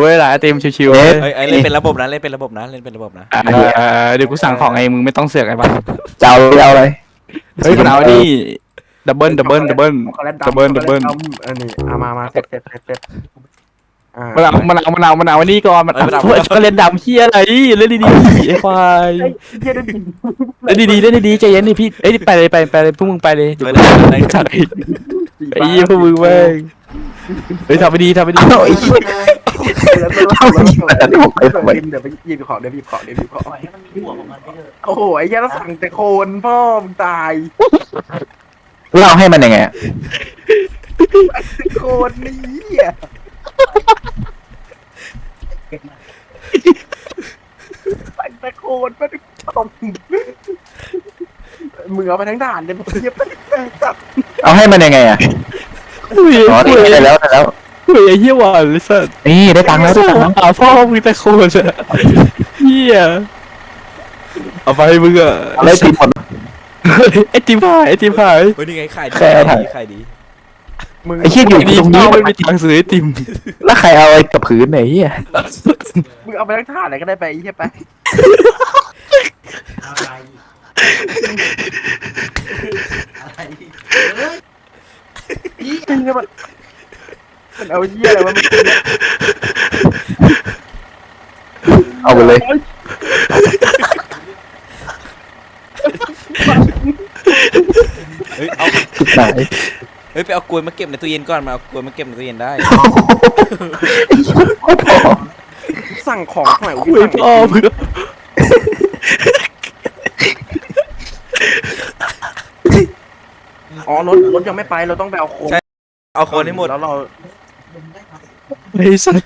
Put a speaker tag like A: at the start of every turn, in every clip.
A: ว้ยร้านไอติมชิวๆเว้ย
B: เอ้ยเล่นเป็นระบบนะเล่นเป็นระบบนะเล่นเป็นระบบนะ
A: เดี๋ยวกูสั่งของเองมึงไม่ต้องเสือกไอ้บ้า
C: จะเอาอะไร
A: เฮ้ยมันเอานี่ดับเบิล
D: ช็อกโกแลตดำช็อกโกแลตดำอันนี้มาเสร็จ
A: มันเอานี่ก่อนมันเอาช็อกโกแลตดำเฮียอะไรเล่นดีๆไอ้ควาย
D: เฮียได้ยิน
A: เล่นดีๆใจเย็นดิพี่เอ้ยไปเลยพวกมึงไปเลยเดี๋ยวกูถ่ายไอ้ยี่พวกมึงเว้ยเฮ้ยทำไปดี
C: เอาไอ้เหี้ยเอาไอ้เหี้ยแต่ที่ผมไปทำไม
D: เดี๋ยวไปหยิบของโอ้โหไอ้เหี้ยเราสั่งแต่โคนพ่อมึงตาย
C: เล่าให้มันยังไงอะ
D: โคนนี่เหี้ยสั่งแต่โคนไม่ได้ต้มมึงเอาไปทั้งด่านเลยเหี้ยจับ
C: เอาให้มันยังไงอะอ๋อได้แล้ว
A: เฮ้ยไอ้เหี้ยหวานเลยสัส
C: นี่ได้ตังค์แล้ว
A: พ่อมึงแต่โคตรเหี้ยเอาไปมึงอะ
C: อะไรติดหมด
A: ไอติมหาย
B: เฮ้ยนี่ไงขายดี
D: มึง
C: ไอ้เหี้ยอยู่
A: นี่
C: ตรงนี้
A: ไม่มีทางซื้อไอติม
C: แล้วใครเอาไอ้กับผืนไหนเหี้ย
D: มึงเอาไปทั้งด่านเลยก็ได้ไปไอ้เหี้ยไปจริงๆมันเอาเหี้ยอะไรวะมัน
C: เอาไปเลย
B: เฮ้ยเอา
C: สุดไหน
B: เฮ้ยไปเอากล้วยมาเก็บในตู้เย็นก่อนมาเอากล้วยมาเก็บในตู้เย็นได้
C: โอ้โห
D: สั่งของใหม่
A: คุยพ่อมึง
D: อ๋อรถยังไม่ไปเราต้องไปเอาโคน
B: เอาโคนให้หมด
D: แล้วเรา
A: ไอ้สัส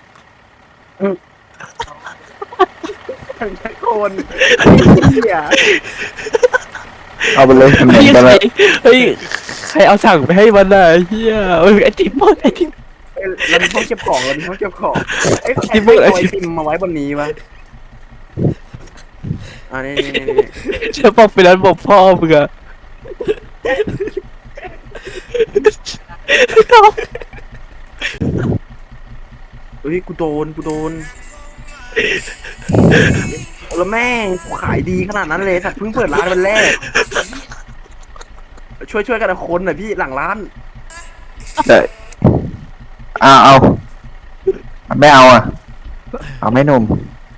D: ใช้โคนเหี้ย
C: เอาไปเลยเหมือนกันเลย
A: เฮ้ยใครเอาสั่งไปให้มันน่ะเฮียไอติมหมดไอติม
D: เรามีห้องเก็บของไอ้ใคร
A: ที่มึง
D: เอาไอติมมาไว้บนนี้วะนี่
A: จะบอกไปนั้นบอกพ่อมึงอะ
D: เฮ้ยกูโดนแล้วแม่งกูขายดีขนาดนั้นเลยสัตว์เพิ่งเปิดร้านวันแรกช่วยกันเอาคนหน่อยพี่หลังร้าน
C: ได้เอาไม่เอาอ่ะเอาไม่นม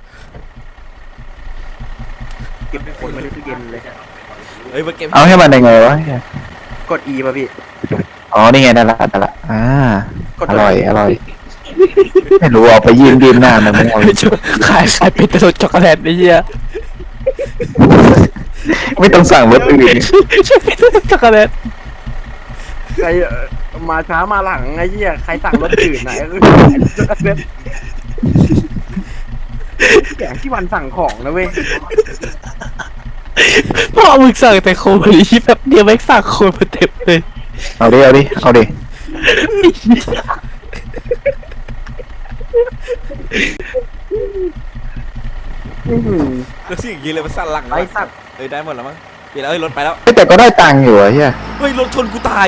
D: เก็บคนมาในตู้เย็นเลย
B: เฮ้ยมาเก็บ
C: เอาให้มันยังไงวะ
D: กด E ป่ะพี่
C: อ๋อนี่ไงได้ละ
D: กด
C: อร่อยไม่รู้เอาไปยืมหน้ามันไม่เอา
A: ขายเป็นแต่รสช็อกโกแลตไอ้เหี้ย
C: ไม่ต้องสั่งรสอื่น
A: ใช่เป็นรสช็อกโกแลต
D: ใครมาช้ามาหลังไอ้เหี้ยใครสั่งรถอื่นไหนแกงที่วันสั่งของนะเว้ย
A: พ่อมึงสั่งแต่โคบริชิแบบเดียวไม่สั่งโคมาเต็มเลย
C: เอาดิ
B: แล้วสิ่งนี้เลยมันสั่นหลัง
D: ไอ้สัตว์
B: เฮ้ยได้หมดแล้วมั้งเปลี่ยนแล้วเฮ้ยรถไปแล้ว
C: แต่ก็ได้ตังค์อยู่อะเฮีย
B: เฮ้ยรถชนกูตาย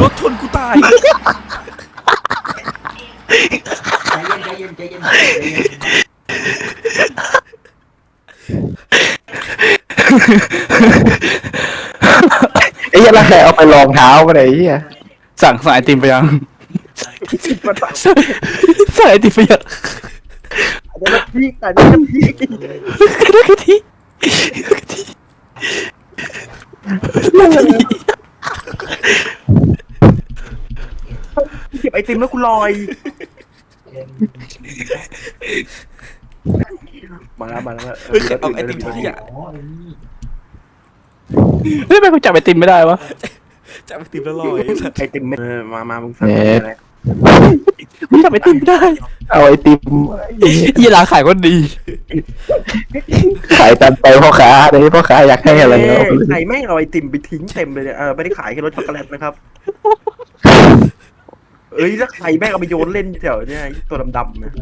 E: ใจเย็น
C: ไอ้เหี้ยแล้วใครเอาไปรองเท้าก็ได้ไอ้เฮีย
A: สั่งไอติมไปยัง
D: มาสั่ง
A: สั่งไอติมไปยัง
D: แต่นี่น้ำพริก
A: กะทิ
D: เก็บไอติมแล้วกูลอยมาแล้ว
B: เฮ้ยเอาไอติมที่อ่ะ
A: เฮ้ยทำไมกูจับไอติมไม่ได้วะ
B: จับไอติมแล้วลอย
D: ไอติมมามึงสั่งอะไร
A: กูจับไอติมไม่ได้
C: เอาไอติม
A: ยี่ร้านขายก็ดี
C: ขายตันไปพ่อค้าเดี๋ยวนี้พ่อค้าอยากให้อะไรเนาะ
D: ใครแม่งเอาไอติมไปทิ้งเต็มเลยเนี่ยไม่ได้ขายแค่รสช็อกโกแลตนะครับเอ้ยแล้วใครแม่งเอาไปโยนเล่นแถวเนี่ยตัวดำๆนะ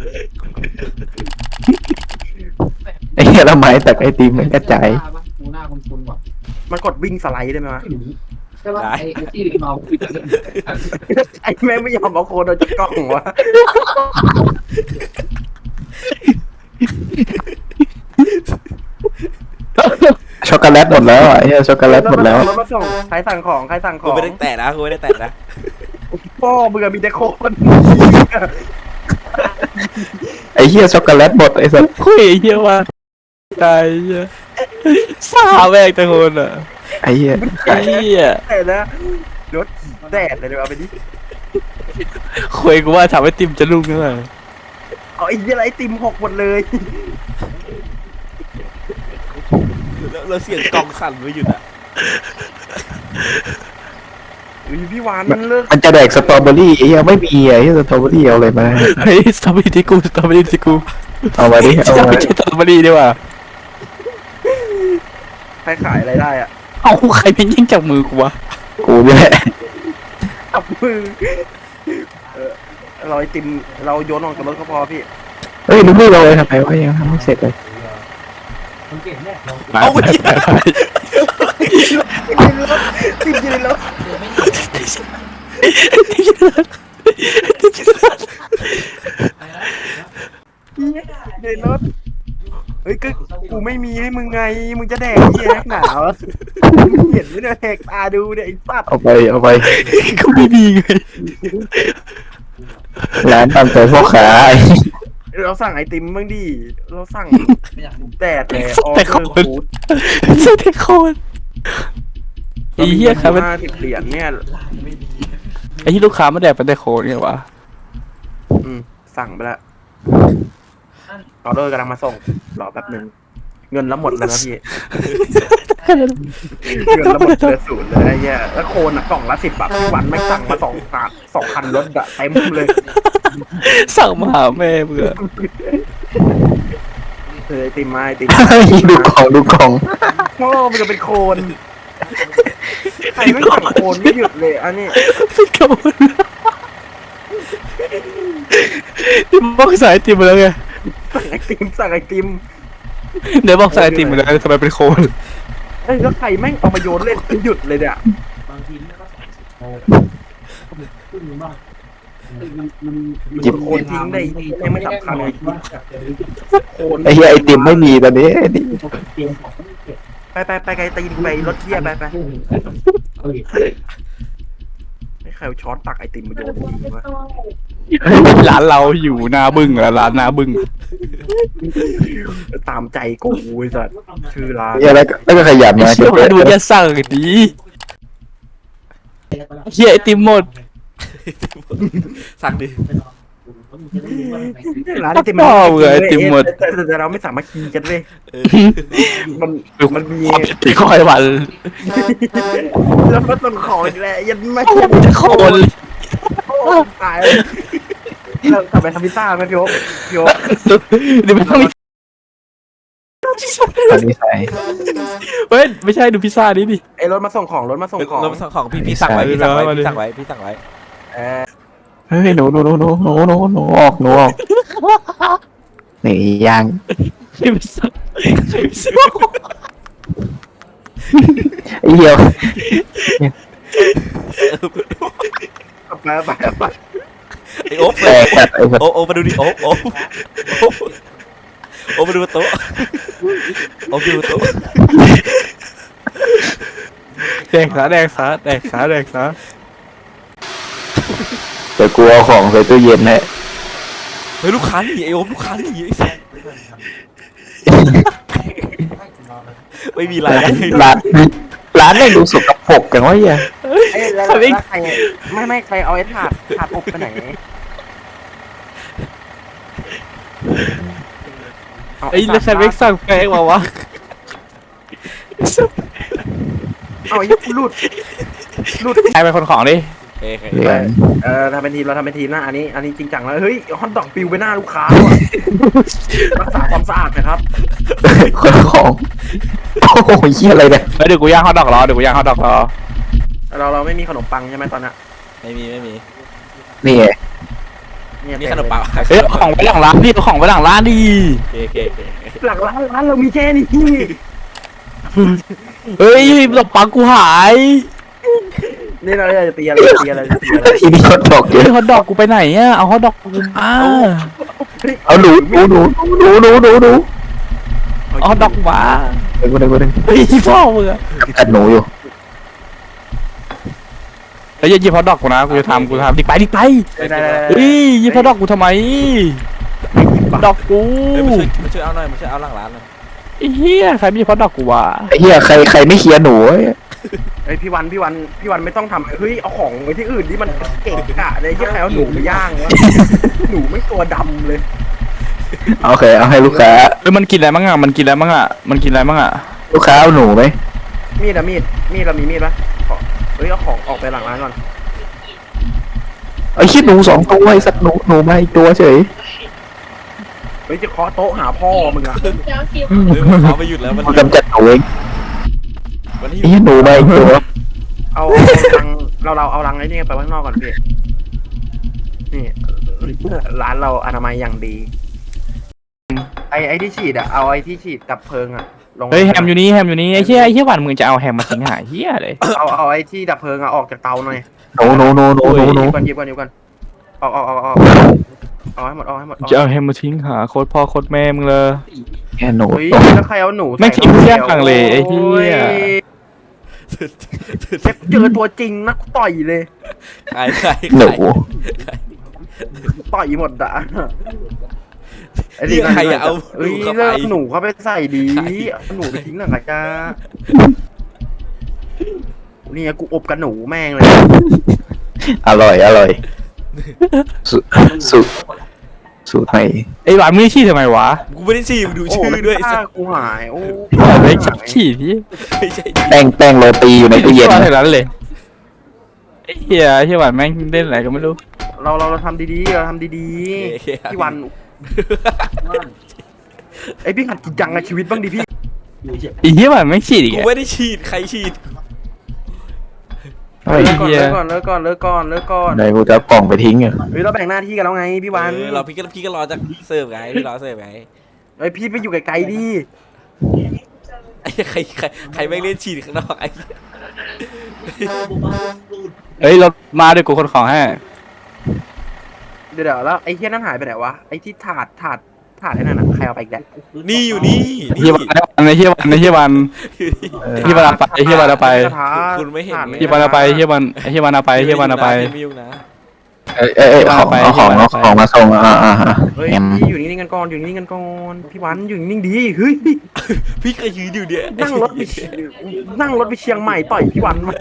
C: ไอ้เหี้ยละไม้แต่ไอติมมันกระจาย
E: กูหน้าคุ้นๆว่ะ
D: มันกดวิ่งสไลด์ได้ไหมวะ
E: ใช่ป่ะไอ้ที่เรา
D: ไอ้แม่งไม่ยอมเอาโคนเอาจากกล้องวะ
C: ช็อกโกแลตหมดแล้วไอ้เหี้ยช็อกโกแลตหมดแล้ว
D: รถมาส่งใครสั่งของใครสั่งข
B: กู
D: อง
B: ไม่ได้แตะนะกูไม่ได้แตะนะ
D: พ่อมึงอะมีแต่โคน
C: ไอ้เหี้ยช็อกโกแลตหมดไอ้สัส
A: คุยไอ้เหี้ยว่าตายเหี้ยสาแม่งตะโกนอ่ะ
C: ไอ้เหี้ย
A: ไอ้เหี้ย
D: แต่นะรถแดดเลยเดี๋ยวเอาไปดิ
A: คุยกูว่าทำให้ติมจะรุ่งนั่นแหละ
D: เอาไอ้เหี้ยอะไรไอติมหกหมดเลย
B: แล้วเสียงกองสั่นไม่หยุดอ่ะ
D: อุ้ยพี่วานมันเลิก
C: มันจะแดกสตรอเบอรี่ไอ้เหี้ยไม่มีไอ้เหี้ยสตรอเบอรี่เอาอะไรมา
A: เฮ้ยสตรอเบอรี่ที่กูสตรอเบอรี่ที่กู
C: เอามาดิเอามา
A: ไม่ใช่สตรอเบอรี่ดีกว่า
D: ใครขายอะไรได้อะ
A: เอาใครเป็นยิ่งจากมือกูวะ
C: กูนี่แหละ
D: จับมือเราไอติมเราโยนออกจากรถก็พอพี่
C: เฮ้ยลูกเราเลยทำไมวะยังทำไม่เสร็จเลย
E: คนเก่งเนี่ยเรา
B: เอาไป
D: ติดอยู่ในรถ
E: เจอไม่
D: ในรถเฮ้ยก็กูไม่มีให้มึงไงมึงจะแดกเหี้ยนักหนาวะเห็นไหมเนี่ยแหกตาดูเนี่ยไอ้สัตว์
C: เอาไปเอาไป
A: ก็ไม่มีไง
C: ร้านตามใจพ่อค้าไอ้
D: เราสั่งไอติมบ้างดิเราสั่ง
E: ไม่อยากดู
D: แต่ออ
A: แต่
D: เด
A: ค
D: อร์
A: น
D: ฟู้ด
A: ใช่แต่คนไอ้เหี้ยครับ
D: 50 เหรียญเนี่ย
A: ไอ้ที่ลูกค้ามาแดกเป็นแต่โคนเนี่ยวะ
D: สั่งไปแล้วออเดอร์กำลังมาส่งรอแป๊บนึงเงินแล้วหมดแล้วนะพี่เงินแล้วหมดเหลือศูนย์เลยไอ้เหี้ยแล้วโคนอ่ะกล่องละ10 บาทวันไม่สั่งมา2,000 รถอะเต็มเลย
A: สั่งมาหาแม่เบื่อ
D: ไอติมมาไอติม
C: ดูของดูของ
D: พ่อมันจะเป็นโคนใครไม่สั่งโคนไม่หยุดเลยอันนี้
A: เป็นโคนที่บอกสายติมมาแล้วไง
D: สั่งไอติม
A: เดี๋ยวบอกสายติมมาแล้วทำไมเป็นโคน
D: เอ้ยแล้วใครแม่งเอามาโยนเล่นไม่หยุดเลยเนี่ย
E: บางทีมันก็โอ้ขึ้นมากมัน
C: จิบ
D: โคนทิ้งได้ยังไม่สำคัญเลยโคน
C: ไอ้เหี้ยไอติมไม่มีตอนนี้ไอ้นี่
E: เตรียมของไม่เก็บ
D: ไปไกลตีนไปรถเที่ยไปให้ใครเอาช้อนตักไอติมมาโยนทิ้งวะ
A: ร้านเราอยู่หน้าบึ้งอะร้านหน้าบึ้ง
D: ตามใจกูไอ้สัสชื่อร้าน
C: เหี้ยแล้วก็ขยับมา
A: เชื่อมาดูจะสั่งดีเฮียไอติมหมด
B: สั่งดิ
D: ร้านไอติมแต่เราไม่สามารถกินกันเลยมันมี
A: ตีคอยวัน
D: แล้วก็ต้นของอีกแล้วยันไม่
A: จะโคน
D: ตายเรากลับไปทำพิซซ่าไหมพี่โอ๊คพี่โอ๊ค
A: เดี๋ยวไม่ต้อง
C: อันนี้ใส่
A: เฮ้ยไม่ใช่ดูพิซซ่านี่ดิ
D: ไอ้รถมาส่งของ
B: เราสั่งของพี่สั่งไว้พี่สั่งไว้พี่สั่งไว้พี่สั่งไว้
C: เฮ้ยหนูออกนี่ย่าง
A: พิซซ่า
C: ไอ้เหี้ย
D: ไป
B: ไอโอ๊บ
C: แตกแบบไอ้สัส
B: โอ๊บมาดูดิโอ๊บมาดูโต๊ะโอ๊บดูโต๊ะ
A: แดกซะแดกซะแดกซะแดกซะ
C: เดี๋ยวกูเอาของใส่ตู้เย็นให้
B: เฮ้ยลูกค้าหนีไอโอ๊บลูกค้าหนีไอ้สัสไม่มีอะไร
C: ร้านไม่ดูสกปรกจังวะเหี้ย
D: ไอ้แล้วใครไม่ใครเอาไอ้ถาดอบไปไหน
A: ไอ้แล้วใครไม่สั่งแป้งมาวะ
D: เอาไอ้หลุด
A: ใครเป็นคนของดิ
C: เหลือง
D: ทำเป็นทีมเราทำเป็นทีมนะอันนี้จริงจังแล้วเฮ้ยฮอตดอกปิวไปหน้าลูกค้ารักษาความสะอาดนะครับ
C: คนของโอ้โหเหี้ยอะไรเนี่ย
A: เดี๋ยวกูย่างฮอทดอกรอเดี๋ยวกูย่างฮอทดอกรอ
D: เราไม่มีขนมปังใช่ไหมตอนนี้
B: ไม่มี
C: นี่ไง
B: มีขนมปัง
A: เฮ้ยของไปหลังร้านดิเอาของไปหลังร้านดิ
B: โอเค
D: หลังร้านเรามีแค่นี้
A: เฮ้ยดอกปังกูหาย
D: นี่เราจะตีอะไร
C: ทีนี้เขาตกเย
A: เฮ้ย
C: อะ
A: ฮอทดอกกูไปไหนอ่ะเอาฮอทดอกกูมา
C: เอาหนู
A: เอาฮอทดอกกูมา
C: กูดึง
A: เฮ้ยพ่อมึงอะ
C: กัดหนูอยู่
A: เฮ้ยยี่พอดอกกูนะกูจะทำดิกไป
D: ได้
A: เฮ้ยยี่พอดอกกูทำไมดอกกู
B: เฮ้ยมาช่วยเอาหน่อยมาช่วยเอาหลังร้านหน่อย
A: ไอ้เหี้ยใครมีพอดอกกูวะ
C: ไอ้เหี้ยใครไม่เคลียร์หนูเว้ย
D: เฮ้ยพี่วันไม่ต้องทำเฮ้ยเอาของไว้ที่อื่นที่มันเก่งกะเลยที่ใครเอาหนูไปย่างวะหนูไม่ตัวดำเลย
C: โอเคเอาให้ลูกค้า
A: เฮ้ยมันกินอะไรบ้างอะ
C: ลูกค้าเอาหนูไหม
D: มีดเรามีมีดปะเฮ้ยเอาของออกไปหลังร้านก่อน
C: ไอ้เหี้ยหนู2 ตัวไอ้สัตว์หนูมาอีกตัวเฉย
D: เฮ้ยจะเคาะโต๊ะหาพ่อมึงอะ
B: เฮ้ยเขาไม่หยุดแล้วมัน
C: มันกำจัดหนูเอง
B: วันนี้
C: ไอ้เหี้ยหนูมาอีกตัว
D: เอาลังเราเอาลังไอ้นี่ไปข้างนอกก่อนพี่นี่ร้านเราอนามัยอย่างดีไอ้ที่ฉีดอะเอาไอ้ที่ฉีดดับเพลิงอะลง
A: เฮ้ยแฮมอยู่นี่ไอ้เหี้ยหวานมึงจะเอาแฮมมาทิ้งหายเหี้ยเลย
D: เอาไอ้ที่ดับเพลิงอะออกจากเตาหน่อย
C: หนู
D: หยิบก่อนออกให้หมด
A: จะเอาแฮมมาทิ้งหาโคตรพ่อโคตรแม่มึงเลย
C: แค่หนู
D: เฮ้ยแล้วใครเอาหนู
A: ไม่ทิ้งเที่ยงลังเลไอ้เหี้ย
D: เจอตัวจริงนะกูต่อยเลย
B: ขาย
C: หนู
D: ต่อยหมดอะ
B: นี่ใครอะเอา
D: เฮ้ย
B: เข้าไป
D: เลิกหนูเข้าไปใส่ดีเอาหนูไปทิ้งหนังกะจ้านี่กูอบกับหนูแม่งเลย
C: อร่อยสูตรใหม่
A: ไอ้หวานมึงชี้ทำไมวะ
B: กูไม่ได้ฉี่มึงดูชื่อด้วย
D: โกูหายโอ้
A: ไอ้ชักชี้ที่
B: ไม่ใช่
C: แป้งโรตีอยู่ในตู้เย็น
A: ว่า
C: นะ
A: เท่านั้นเลยไอ้เหี้ยหวานแม่งเล่นอะไรก็ไม่รู้
D: เราทำดีๆพี่วันไอพี่หัดกินจังในชีวิตบ้างดิพี่
A: ไอ้เหี้ยหวานแม่งชี้อีก
B: กูไม่ได้ฉีดใครฉีด
C: เฮ้ย
D: เลิกก่อนเลิกก่อน
C: ไหนกูจะเอากล่องไปทิ้งอ่ะ
D: เฮ้ยเราแบ่งหน้าที่กันแล้วไงพี่วัน
B: เราพี่ก็รอจากเสิร์ฟไงพี่รอเสิร์ฟไง
D: เฮ้ยพี่ไปอยู่ไกลๆดิ
B: ไอ้ใครไม่เล่นฉีดข้างนอกไอ้
A: เฮ้ยเรามาด้วยกูคนของให้
D: เดี๋ยวแล้วไอ้เฮี้ยนั่นหายไปไหนวะไอ้ที่ถาดไอ้นั่นน่ะใครเอาไปอีกแล้ว
B: นี่อยู่นี่
A: ไอ้เหี้ยหวานไอ้เหี้ยหวานเอาไปไอ้เหี้ยหวานเอาไป
B: คุณไม่เห็น
A: ไอ้เหี้ยหวานเอาไปไอ้เหี้ยหวานเอาไป
B: ไม่ยุ่งนะ
C: เอาของมาส่ง
D: เฮ้ยพี่อยู่นิ่งๆกันก่อนพี่วันอยู่นิ่งๆดีเฮ้ย
B: พี่ก็ยืนอยู่เนี่ย
D: นั่งรถไปเชียงใหม่ต่อยพี่วันมา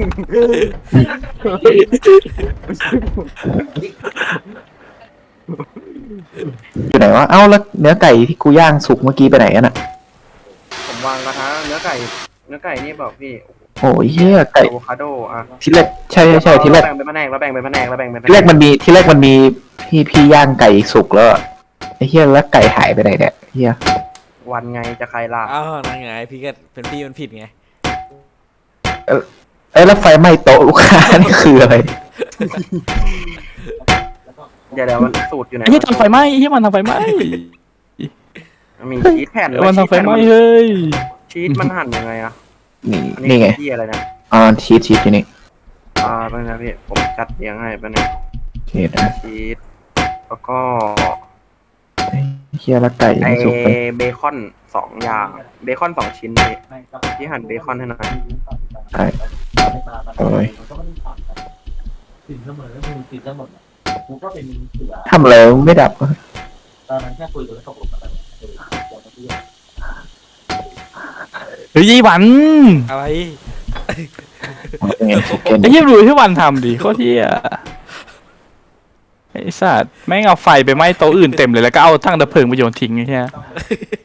C: อยู่ไหนวะเอ้าแล้วเนื้อไก่ที่กูย่างสุกเมื่อกี้ไปไหนกันอ่ะ
D: ผมวางกระทะเนื้อไก่นี่บอกพี่
C: โอ้ยเหี้ยไก่
D: อะโวคาโดอ่ะ
C: ทีแรกใช่ทีแรก
D: แบ่งเป็นแผนกแล้วแบ่งเป็นแผนก
C: ทีแรกมันมีพี่ย่างไก่สุกแล้วอะไอ้เหี้ยแล้วไก่หายไปไหนเนี่ยเหี้ย
D: วันไงจะใครล่ะ
B: อ้าวนั่นไงพี่ก็เป็นพี่มันผิดไง
C: แล้วไฟไหม้โต๊ะลูกค้านี่คืออะไร
D: เดี๋ยวมันสูตรอยู่ไหน
A: ไอ้เหี้ยทำไฟไหม้ไอ้เหี้ยมันทำไฟไหม้
D: มีชีสแผ่น
A: มันทำไฟไหม้เฮ้ย
D: ชีสมันหั่นยังไงอ่ะ
C: นี่ไง
D: ที่อะไรนะ
C: ชีสที่นี่
D: เป็นไงพี่ผมจัดเรียงให้เป็นไง
C: ชีสนะ
D: ชีสแล้วก็
C: เฮียละไก่
D: ไอ
C: ไม่สุกเลย
D: เบคอน2 อย่างเบคอน2 ชิ้นพี่หั่นเบคอนให้หน่อย
C: ใช่โอ้ย
E: ติดเสมอติดเสมอกูก็เป็นเสือ
C: ทำอะไรไม่ดับ
E: ตอนนั้นแค่คุยกับตกลงกัน
A: เฮ้ยยี่หวัน
B: อะไร
C: เป็นไงเกน
A: ไอ้เหี้ยดูที่วันทำดิโคตรเหี้ยไอ้สัตว์แม่งเอาไฟไปไหม้โต๊ะอื่นเต็มเลยแล้วก็เอาทั้งดับเพลิงไปโยนทิ้งไอ้เหี้ย